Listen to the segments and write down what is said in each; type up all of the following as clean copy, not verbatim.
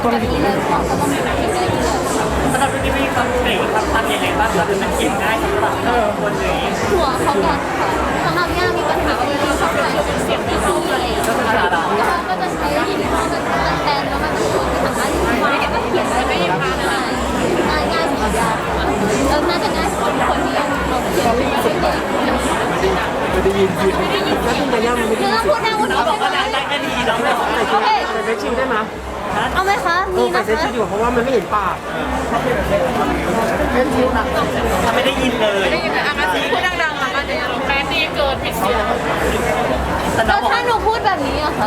แบบนี้เลยก็ต้องมีคิวได้เลยสำหรับที่ไม่ความเกรงความพันยังไงบ้างหรือมันเก็บง่ายสำหรับคนนี้หัวเขาแกนค่ะสำหรับย่ามีปัญหาว่าเวลาเขาใช้เป็นเสียงไม่เข้าเลยก็คืออะไรแล้วก็จะใช้ยี่ห้อแบบมันแบนแล้วมันเป็นคนที่สามารถเขียนได้ไม่ยากง่ายง่ายสำหรับย่าแล้วน่าจะง่ายสำหรับคนที่ยังเราเขียนไม่ได้ไม่ได้ยินแล้วคุณจะย่ามันไม่ได้คือยินพูดแนวเราบอกว่าได้ก็ดีเราไม่โอเคใส่เฟซชิลได้ไหมเอาไหมคะมีใส่นะเฟซคะชิลดีกว่าเพราะว่ามันไม่เห็นปากเฟซชิลนะถ้าไม่ได้ยินเลยได้ยินแต่อาการพูดดังๆแล้วก็จะแม่ตีเกินผิดเสียงแต่แล้เราวบอกถ้าหนูพูดแบบนี้อะคะ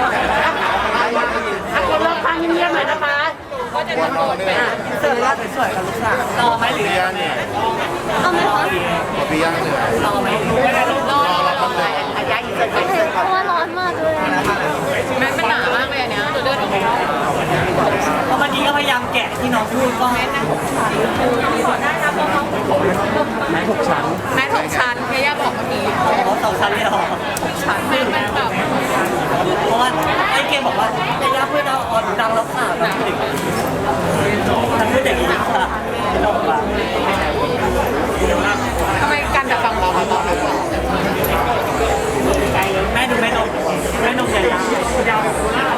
คนรอบข้างเงียบๆหน่อยนะคะก็จะตะโกนไปเสิร์ฟแล้วสวยๆกับลูกสาวรอไหมหรือเอาไหมคะพี่ย่าเหนื่อยรอไหมรอระยะอีกโอเคเพราะว่าร้อนมากเลยแม่เป็นหนามากเลยอันเนี้ยตัวเลือดออกมาเพราะเมื่อกี้ก็พยายามแกะที่น้องพูดก็ให้นั่งได้นะเพราะเขาไหน6 ชั้นแม่ถกชั้นแม่ย่าบอกเมื่อกี้สองชั้นเลยหรอชั้นแม่เป็นแบบเพราะว่าไอ้เกมบอกว่าไอ้ย่าเพื่อนเราออนดังแล้วค่ะทำพูดอย่างนี้ค่ะทำไมการจะฟังเราตอนนั้นแม่ดูแม่นมใหญ่ยาว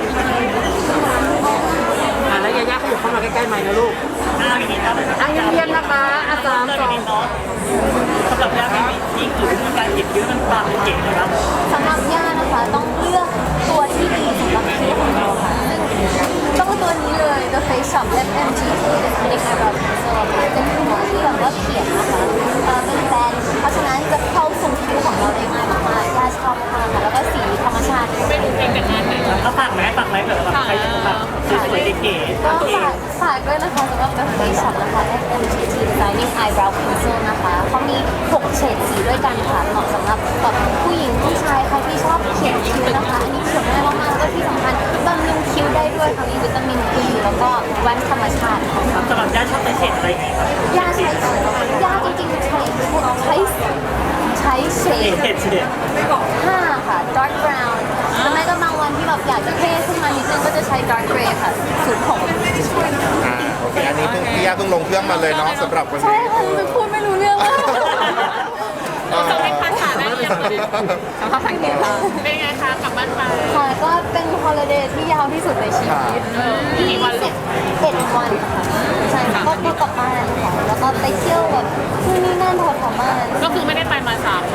แล้วยาย่าขยับเข้ามาใกล้ๆไมค์นะลูกหน้าอย่างนี้ครับเยี่ยมๆนะคะ3 2 สำหรับย่าไม่มีที่อื่นมีการหยิบยืมมันความเก่งนะครับสำหรับย่านะคะต้องเลือกตัวที่ดีสำหรับคิ้วของเราค่ะซึ่งต้องตัวนี้เลย The Face Shop FMGT Aesthetic Eyebrow Pencil ค่ะเป็นหัวที่แบบว่าเขียนนะคะเป็นแบรนด์เพราะฉะนั้นจะเข้าทรงคิ้วของเราได้ง่ายมากๆย่าชอบมากค่ะแล้วก็สีธรรมชาติไม่รู้เพลงแต่งงานไหนเขาฝากไหมเผื่อแบบใครแบบสวยๆเก๋ๆก็ฝากด้วยนะคะสำหรับ The Face Shop นะคะ FMGT Designing Eyebrow Pencil นะคะเขามี6เฉดสีด้วยกันค่ะเหมาะสำหรับแบบผู้หญิงผู้ชายใครที่ชอบเขียนคิ้วนะคะอันนี้เขียนง่ายมากๆแล้วก็ที่สำคัญบำรุงคิ้วได้ด้วยค่ะมีวิตามิน E แล้วก็แว่นธรรมชาติค่ะสำหรับย่าชอบใส่เฉดอะไรไงครับยาใช้ยาจริงๆใช้เฉดเฉด 5ค่ะ dark brown แต่แม่ก็บางวันที่แบบอยากจะเท่ขึ้นมานิดนึงก็จะใช้ dark gray ค่ะสูตรผมโอเคอันนี้พี่ย่าเพิ่งลงเครื่องมาเลยเนาะสำหรับวันใช่นี้ค่ะหนูพูดไม่รู้เรื่องเลยต้องเป็นภาษาได้ยังไงภาษาอังกฤษเป็นไงคะกลับบ้านไปค่ะก็เป็นฮอลิเดย์ที่ยาวที่สุดในชีวิตกี่วันลูก 21 วันค่ะใช่ก็กลับบ้านค่ะแล้วก็ไปเที่ยวแบบที่นี่นั่นแถวๆบ้านก็คือไม่ได้ไปมา3 ปี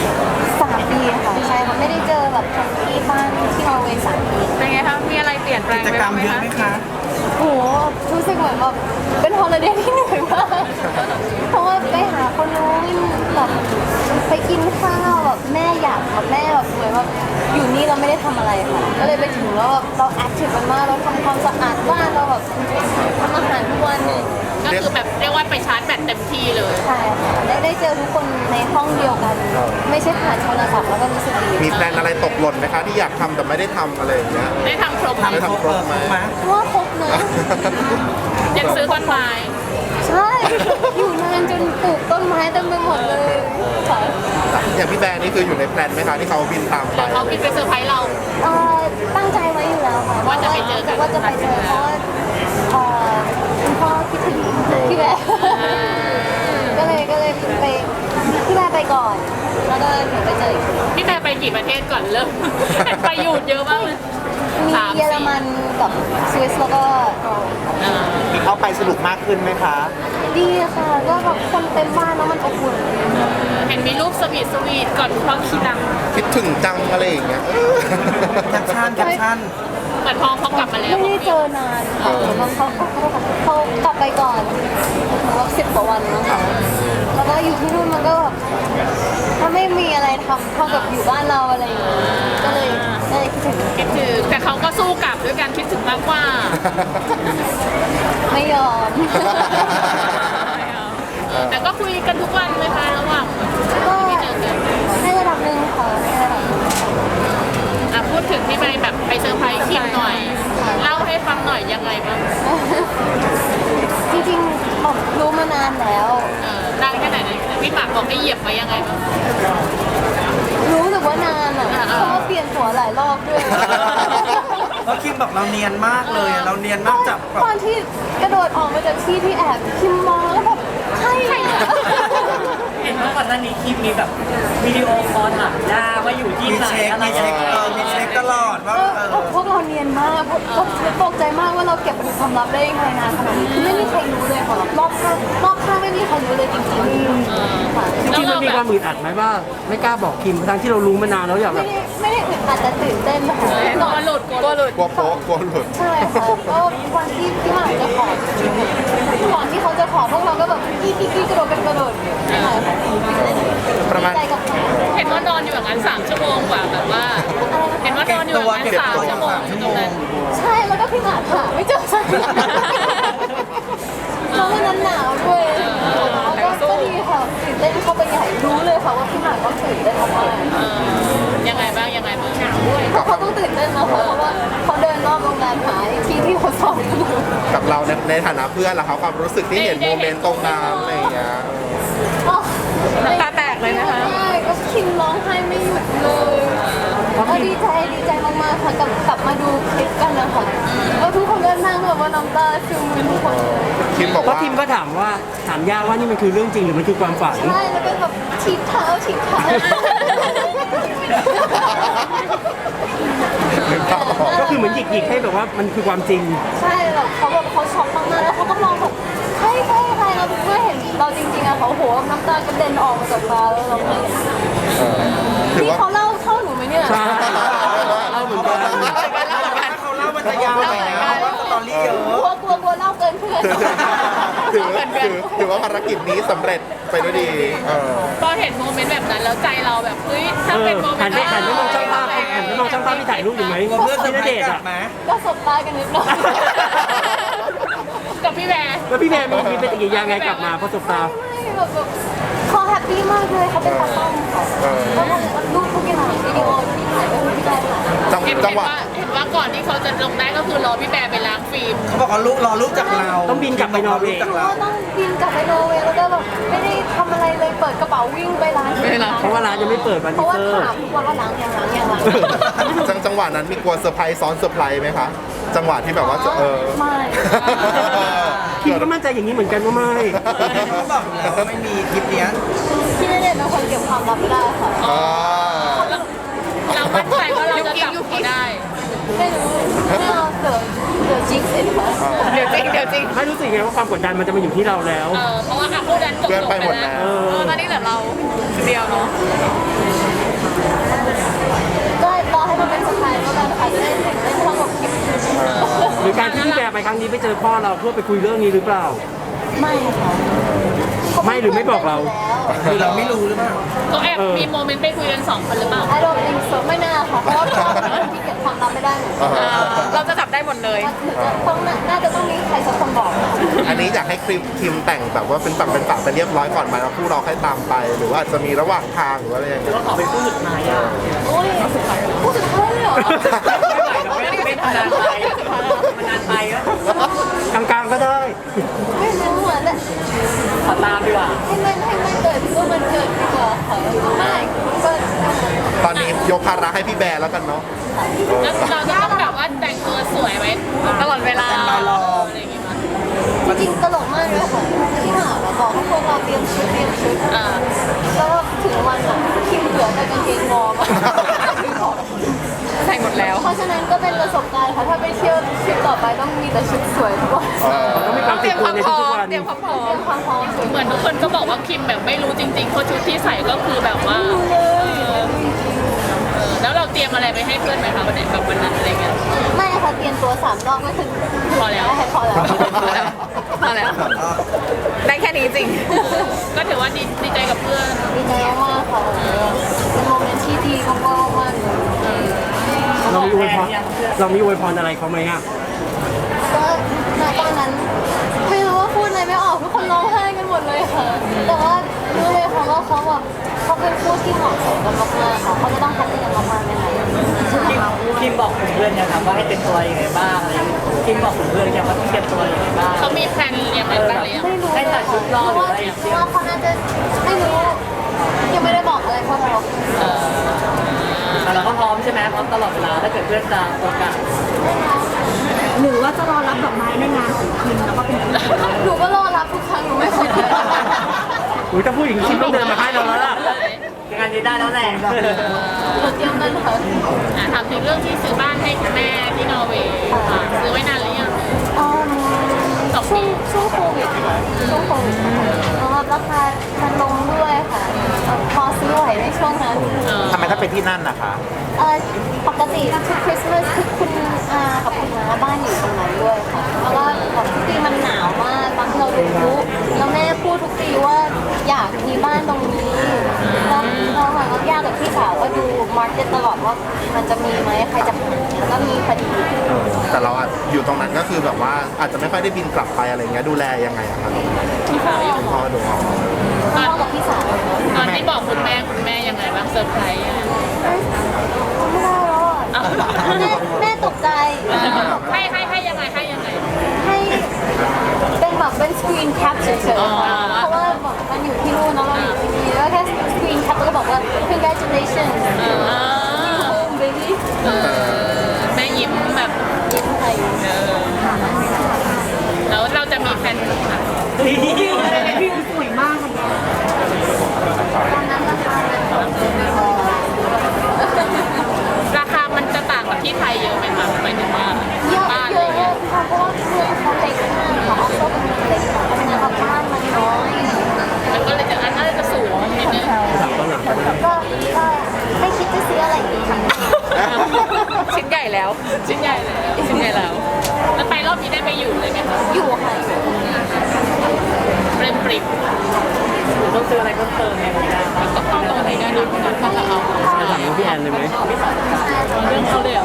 3 ปีค่ะใช่ค่ะไม่ได้เจอแบบคนที่บ้านที่นอร์เวย์3 ปีเป็นไงคะมีอะไรเปลี่ยนแปลงไปบ้างไหมคะโอ้โหรู้สึกเหมือนแบบเป็นฮอลิเดย์ที่เหนื่อยมากเพราะว่าไปหาคนนู้นแบบไปกินข้าวแบบแม่อยากแบบแม่แบบเหมือนแบบอยู่นี่เราไม่ได้ทำอะไรค่ะก็เลยไปถึงแล้วแบบเราแอคทีฟกันมากเราทำความสะอาดบ้านเราแบบทำอาหารทุกวันเลยก็คือแบบเรียกว่าไปชาร์จแบตเต็มที่เลยใช่ค่ะได้เจอทุกคนในห้องเดียวกัน ไม่ใช่ผ่านโทรศัพท์แล้วก็รู้สึกดีมีแพลนอะไรตกหล่นไหมคะที่อยากทำแต่ไม่ได้ทำอะไรอย่างเงี้ยได้ทำครบไหมได้ทำครบไหมว่าครบนะยังซื้อต้นไม้ใช่ อยู่นานจนปลูกต้นไม้เต็มไปหมดเลยค่ะอย่างพี่แบร์นี่คืออยู่ในแพลนไหมคะที่เขาบินตามไปเขาคิดไปเซอร์ไพรส์เราตั้งใจไว้อยู่แล้วค่ะว่าจะไปเจอกันว่าจะไปเจอเพราะว่าคุณพ่อคิดถึงพี่แบร์ก็เลยไปพี่แบร์ไปก่อน แล้วก็หนูไปเจออีกทีพี่แต่ไปกี่ประเทศก่อนเริ่ม ไปหยุดเยอะมากเลยมีเยอรมันกับสวิสแล้วก็นอร์เวย์มีเข้าไปสนุกมากขึ้นไหมคะดีค่ะก็แบบคนเต็มบ้านแล้วมันอบอุ่นเห็นมีรูปสวีทก่อนพร้อมขี้หลังคิดถึงจังอะไรอย่างเงี้ยแคปชั่นเหมือนพอเขากลับมาแล้วไม่ได้เจอนานค่ะเขากลับไปก่อนแบบ10 กว่าวันมั้งค่ะแล้วก็อยู่ที่นู่นมันก็แบบถ้าไม่มีอะไรทำเท่ากับอยู่บ้านเราอะไรอย่างเงี้ยก็เลยคิดถึงคิดถึงแต่เขาก็สู้กลับด้วยการคิดถึงมากกว่าไม่ยอมแต่ก็คุยกันทุกวันเลยค่ะระหว่างก็ในระดับหนึ่งค่ะในระดับหนึ่งพูดถึงที่ไปแบบไปเซอร์ไพรส์คิมหน่อย เล่าให้ฟังหน่อยยังไงบ้างจริงๆบอกรู้มานานแล้วนานแค่ไหนนะพี่หมากบอกให้เหยียบไปยังไงบ้างรู้สึกว่านานอ่ะเพราะว่าเปลี่ยนหัวหลายรอบด้วยเพราะคิมบอกเราเนียนมากเลยอะเราเนียนมากจับแบบตอนที่กระโดดออกมาจากที่แอบคิมมองแล้วแบบใช่อะเห็นว่าก่อนหน้านี้คลิปมีแบบวิดีโอคอลถามย่าว่าอยู่ที่มีไหนเช็คอะไรมียัเช็งคไงมีเช็คตลอดว่าพวกเราเนียนมากก็ตกใจมากว่าเราเก็บเป็นความลับได้ยังไงนานขนาดนี้คือไม่มีใครรู้เลยค่ะรอบข้างไม่มีใครรู้เลยจริงๆค่ะจริงๆมันมีความอึดอัดไหมว่าไม่กล้าบอกคิมทั้งที่เรารู้มานานแล้วอยากแบบไม่ได้อึดอัดแต่ตื่นเต้นนะคะกลัวหลุดกลัวหลุดกลัวโป๊ะกลัวหลุดใช่ค่ะก็วันที่พี่หมากจะขอก่อนที่เขาจะขอพวกเราก็แบบกี้กระโดดกันกระโดดใช่ค่ะประมาณใจกับเขาเห็นว่านอนอยู่อย่างนั้น3 ชั่วโมงกว่าแบบว่า เห็นว่านอนอยู่อย่างนั้น3 ชั่วโมงอยู่ตรงนั้นใช่แล้วก็พี่หมากหาไม่เจอสักทีเพราะวันนั้นหนาวด้วยก็ดีค่ะตื่นเต้นเข้าไปใหญ่รู้เลยค่ะว่าพี่หมากก็ตื่นเต้นมากยังไงบ้างยังไงบ้างหนาวด้วยเขาต้องตื่นเต้นนะคะเพราะว่าเขาเดินรอบโรงแรมหาที่เขาสอนอยู่กับเราในฐานะเพื่อนล่ะครับความรู้สึกที่เห็นโมเมนต์ตรงนั้นอะไรอย่างเงี้ยน้ำตาแตกเลยนะคะใช่ก็คิมร้องไห้ไม่หยุดเลยก็ดีใจมากๆค่ะกลับมาดูคลิปกันนะคะแล้วทุกคนก็นั่งแบบว่าน้ำตาซึมทุกคนเลยคิมบอกเพราะว่าคิมก็ถามย่าว่านี่มันคือเรื่องจริงหรือมันคือความฝันใช่แล้วก็แบบฉีดเท้านึกภาพออกก็คือเหมือนหยิกให้แบบว่ามันคือความจริงใช่แบบเขาช็อกมากๆแล้วเขาก็มองแบบใครเราเมื่อเห็นเราจริงๆอะเขาโหน้ำตากระเด็นออกมาจากตาแล้วเราไม่ถือนี่ว่าเขาเล่าเท่าหนูไหมเนี่ยใช่เล่าเหมือนกันถ้าเขาเล่ามันจะยาวไปนะเพราะว่าสตอรี่เยอะกลัวเล่าเกินเพื่อนถือว่าภารกิจนี้สำเร็จไปด้วยดีพอเห็นโมเมนต์แบบนั้นแล้วใจเราแบบเฮ้ยถ้าเป็นโมเมหันนต์ไปมองช่างภาพที่ถ่ายรูปอยู่ไหมเพื่อนเซอที่ร์ณไพรเดชส์น์กลัอ่ะบมาก็สบตากันนิดหน่อยกับพี่แบร์แล้วพี่แมนมีปฏิกิริยาไงกลับมาพอสบตาไม่แบบเขาแฮปปี้มากเลยเขาเป็นตากล้องค่ะแล้วรูปทุกอย่างวิดีโอที่ถ่ายก็คือพี่ได้ค่ะจังหวะเห็นว่าก่อนที่เขาจะลงได้ก็คือรอพี่แบร์ไปล้างฟิล์มเขาบอกเขารอรูปจากเราต้องบินกลับไปนอร์เวย์จากเพราะเราว่าต้องบินกลับไปนอร์เวย์แล้วก็แบบไม่ได้ทำอะไรเลยเปิดกระเป๋าวิ่งไปร้านเพราะว่าร้านยังไม่เปิดวันเพทีราะว่าเซอร์ถามทุกวันว่าล้างยังจังหวะนั้นมีกลัวเซอร์ไพรส์ซ้อนเซอร์ไพรส์ไหมคะจังหวะที่แบบว่าไม่คิมก็มั่นใจอย่างนี้เหมือนกันว่าไม่เขาบอกอยู่แล้วว่าไม่มีคลิปเนี้ยพี่ณเดชน์เป็นคนเก็บความลับไม่ได้ค่ะเรามั่นใจว่าเราจะจับเขาได้ไม่รู้เราเดี๋ยวจิ๊กเสร็จค่ะเดี๋ยวจริงไม่รู้สึกไงว่าความกดดันมันจะมาอยู่ที่เราแล้วเพราะว่าคู่นั้นจบเพื่อนไปหมดแล้แล้ว วตอนนี้เหลือเราคนเดียวเนาะก็รอให้มันเป็นสไตล์แล้วกันค่ะจะได้เห็นได้ทั้งหมดคลิปหรือการที่พี่แบร์ไปครั้งนี้ไปเจอพ่อเราเพื่อไปคุยเรื่องนี้หรือเปล่าไม่ค่ะไม่หรือไม่บอกเราคือเราไม่รู้หรือเปล่าก็แอบมีโมเมนต์ไปคุยกัน2 คนหรือเปล่า I don't think so ไม่น่าค่ะเพราะว่าเขาเป็นคนที่เก็บความลับไม่ได้เหมือนกันเราจะจับได้หมดเลยน่าจะต้องมีใครสักคนบอกอันนี้อยากให้คิมแต่งแบบว่าเป็นฝั่งเป็นฝาไปเรียบร้อยก่อนไหมแล้วคู่เราค่อยตามไป หรือว่าจะมีระหว่างทางหรือว่าอะไรอย่างเงี้ยขอเป็นผู้สุดท้ายอ่ะโอ้ยพูดสุดท้ายเลยเหรอไม่เป็นนานไปมันนานไปแล้วกลางๆก็ได้ไม่รู้เหมือนแต่ขอตามดีกว่าให้มันเกิดก็มันเกิดดีกว่าค่ะไม่ก็ตอนนี้ยกภาระให้พี่แบร์แล้วกันเนาะแล้วเราจะต้องแบบว่าแต่งตัวสวยไว้ตลอดเวลาอะไรอย่างเงี้ยจริงๆตลกมากเลยค่ะที่หาบอกให้พวกเราเตรียมชุดแล้วถึงวันอ่ะคิมเหลือแต่กางเกงวอร์มใส่หมดแล้วเพราะฉะนั้นก็เป็นประสบการณ์ค่ะถ้าไปเที่ยวทริปต่อไปต้องมีแต่ชุดสวยทุกวันต้องมีความติดตัวในทุกๆวันเตรียมความพร้อเตรีมยมความพร้อมเหมือนทุกคนก็บอกว่าคิมแบบไม่รู้จริงๆเพราะชุดที่ใส่ก็คือแบบว่า แล้วเราเตรียมอะไรไปให้เพื่อนไหมคะวันไหนแบบวันนั้นอะไรเงี้ยไม่ค่ะเตรียมตัว3 รอบก็คือพอแล้วพอแล้วพอแล้ว ได้แค่นี้จริง ก็ถือว่าดีใจกับเพื่อนดีใจมากค่ะเป็นโมเมนต์ที่ดีมากๆเลยเรามีอวยพรอะไรเขาไหมอ่ะก็ณตอนนั้นไม่รู้ว่าพูดอะไรไม่ออกทุกคนร้องไห้กันหมดเลยค่ะ แต่ว่ารู้เลยค่ะว่าเขาแบบเขาเป็นคู่ที่เหมาะสมกันมากๆค่ะเขาจะต้องพัฒนากันมากๆแน่ๆคิมบอกถึงเพื่อนยังครับว่าให้เตรียมตัวยังไงบ้างอะไรอย่างเงี้ยคิมบอกถึงเพื่อนยังว่าต้องเตรียมตัวยังไงบ้างเขามีแพลนเรียนอะไรบ้างหรือยังไม่รู้ให้ตัดชุดรอหรืออะไรอย่างเพเงี้ราะยว่าเขาน่าจะไม่รู้ยังไม่ได้บอกอะไรพวกเราแแต่เราก็พร้อมใช่ไหมพร้อมตลอดเวลาถ้าเกิดเพื่อนจะโอกาสหรือว่าจะรอรับดอกไม้ในงานของคิมแล้วก็เป็นคิมของเราหนูก็รอรับทุกครั้งหนูไม่เคยอุ้ยถ้าพูดอย่างนี้คิมต้องเดินมาให้เราแล้วล่ะงานนี้ได้แล้วแหละหนูเตรียมเงินค่ะถามถึงเรื่องที่ซื้อบ้านให้คุณแม่ที่นอร์เวย์ค่ะซื้อไว้นานหรือยังช่วงโควิดค่ะช่วงโควิดแล้วราคามันลงด้วยค่ะพอซื้อไหวในช่วงนั้นทำไมถ้าไปที่นั่นนะคะปกติทุกคริสต์มาสคือคุณอากับคุณน้าบ้านอยู่ตรงนั้นด้วยค่ะแล้วก็แบบทุกปีมันหนาวมากตอนที่เราดูพลุแล้วแม่พูดทุกปีว่าอยากมีบ้านตรงนี้แล้วเราค่ะก็ยากกับพี่สาวก็ดูมาร์เก็ตตลอดว่ามันจะมีไหมใครจะขายแล้วก็มีพอดีแต่เราอะอยู่ตรงนั้นก็คือแบบว่าอาจจะไม่ค่อยได้บินกลับไปอะไรเงี้ยดูแลยังไงอะคะพี่สาวพ่อดูออกพ่อกับพี่สาวตอนที่บอกคุณแม่ยังไงบ้างเซอร์ไพรส์ยังไงไม่ได้แล้วอะแม่ตกใจให้ยังไงให้ยังไงให้เป็นแบบเป็นสกรีนแคปเฉยๆค่ะเพราะว่าแบบมันอยู่ที่นู่นแล้วเราอยู่ที่นี่แล้วแค่สกรีนแคปแล้วก็บอกว่า congratulations new home baby แม่ยิ้มแบบยิ้มไทยแล้วเราจะมีแฟนค่ะตอนนั้นราคามันราคามันจะต่างกับที่ไทยเยอะไหมคะหมายถึงว่าเยอะบ้านเยอะค่ะเพราะว่าเมืองเขาเล็กมากค่ะออสโซเป็นเมืองเล็กค่ะเพราะฉะนั้นแบบบ้านมันน้อยมันก็เลยจะน่าจะสูงนิดนึงก็ไม่คิดจะซื้ออะไรอีกค่ะชิ้นใหญ่แล้ว ชิ้นใหญ่แล้ว แล้วไปรอบนี้ได้ไปอยู่เลยไหมคะอยู่ค่ะเปรมปริบต้องซื้ออะไรเพิ่มเติมไหมครับก็เข้าตรงไหนได้นะถ้าจะเอาจะถามพี่แอนเลยไหมเรื่องเขาเลยเหรอ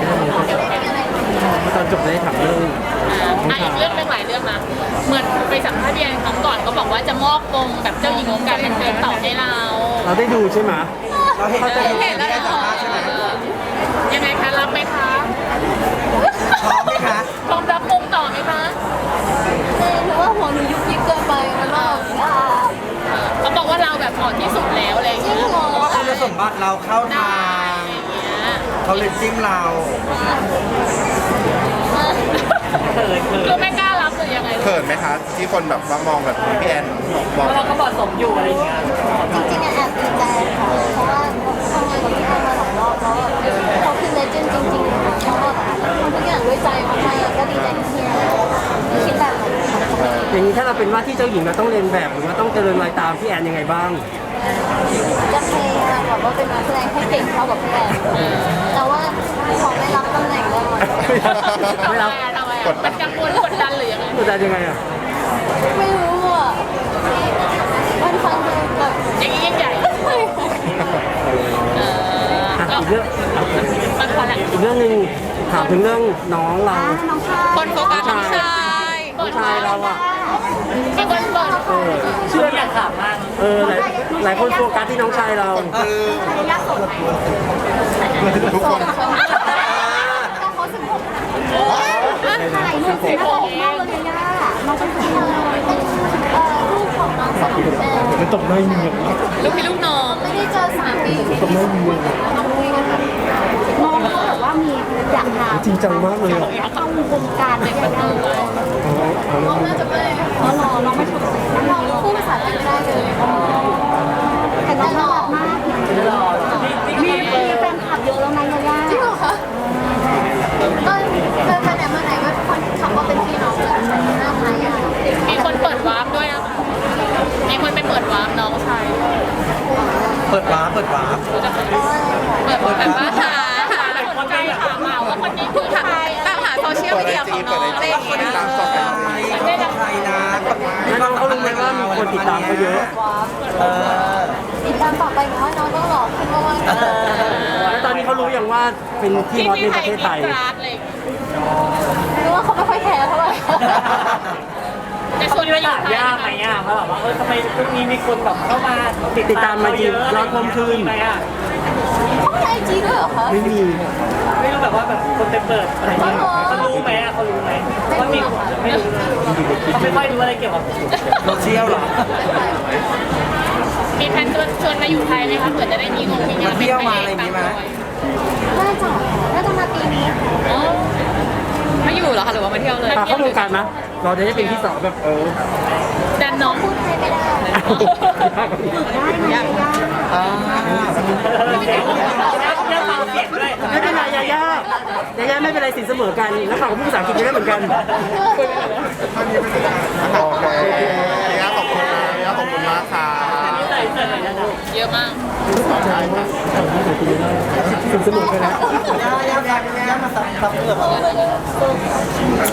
ตอนจบได้ถามเรื่องอีกเรื่องหนึ่งหลายเรื่องนะเหมือนไปสัมภาษณ์พี่แอนครั้งก่อนก็บอกว่าจะมอบวงแบบเจ้าหญิงวงการบันเทิงต่อให้เราเราได้ดูใช่ไหมเขาจะเห็นแล้วเหรอยังไงคะรับไหมคะพร้อมไหมคะพร้อมรับวงต่อไหมคะหรือว่าหัวหนูยุบยิบเกินไปมันแบบเขาบอกว่าเราแบบเหมาะที่สุดแล้วอะไรอย่างจริเงี้งยเหรอเพราะว่าคุณสมบัติเราเข้าทางอะไรอย่างเงี้ยเขาเลยจิ้มเราคือไม่กล้ารับหรือยังไงเขินไหมคะที่คนแบบว่ามองแบบพี่แอนมองเราก็เหมาะสมอยู่อะไรอย่างเงี้ยจริงๆแอบดีใจค่ะเพราะว่าทำงานกับพี่แอนมาหลายรอบแล้วเขาคือเลเจนด์จริงๆค่ะเขาแบบทำทุกอย่างด้วยใจมากๆก็ดีใจที่พี่แอนคิดแบบนั้นค่ะอย่างนี้ถ้าเราเป็นว่าที่เจ้าหญิงเราต้องเรียนแบบหรือว่าต้องเจริญรอยตามพี่แอนยังไงบ้างจะพยายามแบบว่าเป็นนักแสดงให้เก่งเท่ากับพี่แอนแต่ว่าขอไม่รับตำแหน่งได้ไหมไม่รับทำไมอ่ะมันกังวลกดดันหรือยังไงกดดันยังไงอ่ะไม่รู้อ่ะมันฟังดูแบบอย่างนี้ยิ่งใหญ่อ่ะอีกเรื่องมันพอละอีกเรื่องหนึ่งถามถึงเรื่องน้องเราคนโฟกัสน้องชายน้องชายเราอ่ะมีคนเปิดเชื่ออยากถามมากหลายคนโฟกัสที่น้องชายเราคนปลื้มทุกคนแต่เขา16ถ่ายรูปสิน่ารักมากเลยย่าน้องเป็นพี่น้องเป็นลูกของน้องสาวแม่มันตกได้ยังไงลูกพี่ลูกน้องไม่ได้เจอ3 ปีน้องคุยกันค่ะน้องเขาแบบว่ามีอยากทำจริงจังมากเลยอ่ะเข้าวงการได้ยังไงน้องน่าจะไม่อ๋อน้องไม่ถูกน้องพูดภาษาไทยไม่ได้เลยแต่น้องน่ารักมากมีแฟนคลับเยอะแล้วนะย่าจริงเหรอคะก็เคยไปไหนมาไหนก็คนขับว่าเป็นพี่น้องกันหน้าคล้ายกันมีคนเปิดวาร์ปด้วยนะมีคนไปเปิดวาร์ปน้องชายเปิดวาร์ปเปิดแบบว่าหาสนใจถามมาว่าคนนี้คือใครตามหาโซเชียลมีเดียของน้องอะไรอย่างเงี้ยตามต่อไปเขาเป็นใครนะแล้วน้องเขารู้ไหมว่ามีคนติดตามเขาเยอะติดตามต่อไปเพราะน้องต้องหล่อขึ้นมากๆแล้วตอนนี้เขารู้ยังว่าเป็นที่มอสในประเทศไทยรู้ว่าเขาไม่ค่อยแคร์เท่าไหร่จะชวนไปอยู่ไทยยากไหมอ่ะเพราะแบบว่าทำไมช่วงนี้มีคนแบบเข้ามาติดตามมาจริงยอดเพิ่มขึ้นไหมอ่ะเขามีไอจีด้วยเหรอคะไม่มีไม่รู้แบบว่าแบบคนไปเปิดอะไรเงี้ยเขารู้ไหมอ่ะเขารู้ไหมว่ามีไม่รู้เขาไม่ค่อยรู้อะไรเกี่ยวกับโซเชียลเหรอมีแผนชวนมาอยู่ไทยไหมคะเผื่อจะได้มีงานมาเที่ยวมาอะไรอย่างงี้ไหมน่าจะมาปีนี้ค่ะไม่อยู่เหรอคะหรือว่ามาเที่ยวเลยเข้าวงการนะเราจะได้เป็นที่สองแบบดันน้องพูดไทยไม่ได้อ่าเรื่องฟังเสียงด้วยไม่เป็นไรยาย่าไม่เป็นไรสินเสมอกันแล้วฝั่งผู้ภาษาอังกฤษได้เหมือนกันโอเคย่าขอบคุณนะย่าขอบคุณมากค่ะเยอะมากได้ค่ะสินเสมอกันนะย่ามาซับเปลือก